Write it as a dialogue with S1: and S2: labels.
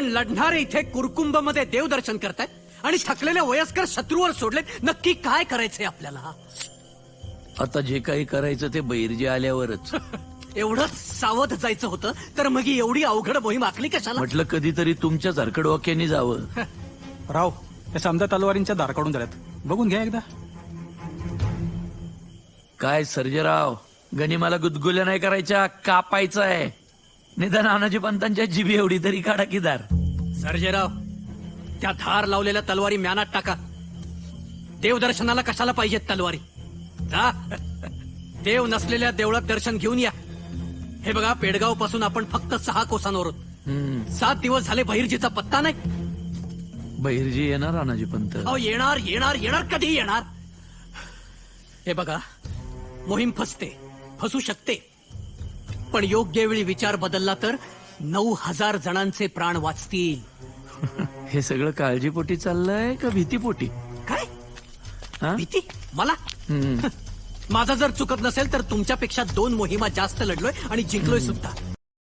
S1: पण लढणारे इथे कुरकुंभ मध्ये देवदर्शन करतायत आणि थकलेले वयस्कर शत्रूवर सोडलेत. नक्की काय करायचंय आपल्याला?
S2: आता जे काही करायचं ते बैरजी आल्यावरच.
S1: एवढंच सावध जायचं होतं तर मग ही एवढी अवघड मोहीम आखली कशाला?
S2: म्हटलं कधीतरी तुमच्या झारखडवाक्याने जावं.
S3: राव, या समजा तलवारींच्या दार काढून झाल्यात, बघून घ्या एकदा.
S2: काय सर्जेराव, गनिमाला गुदगुल्या नाही करायच्या, कापायचं आहे. निदान नानाजी पंतांच्या जिबी एवढी तरी काढा की दार.
S1: सर्जेराव, त्या धार लावलेल्या तलवारी म्यानात टाका. देवदर्शनाला कशाला पाहिजेत तलवारी? जा, देव नसलेल्या देवळात दर्शन घेऊन या. हे बघा, पेडगाव पासून आपण फक्त 6 कोसांवर आहोत. 7 दिवस झाले बहिर्जीचा पत्ता नाही.
S2: बहिर्जी येणार नानाजी पंत?
S1: अहो, येणार येणार येणार, कधी येणार? हे बघा, मोहीम फसू शकते, पण योग्य वेळी विचार बदलला तर 9,000 जणांचे प्राण वाचतील.
S2: हे सगळं काळजीपोटी चाललंय का भीतीपोटी?
S1: काय
S2: हा?
S1: भीती? मला? माझा जर चुकत नसेल तर तुमच्यापेक्षा 2 मोहिमा जास्त लढलोय आणि जिंकलोय सुद्धा.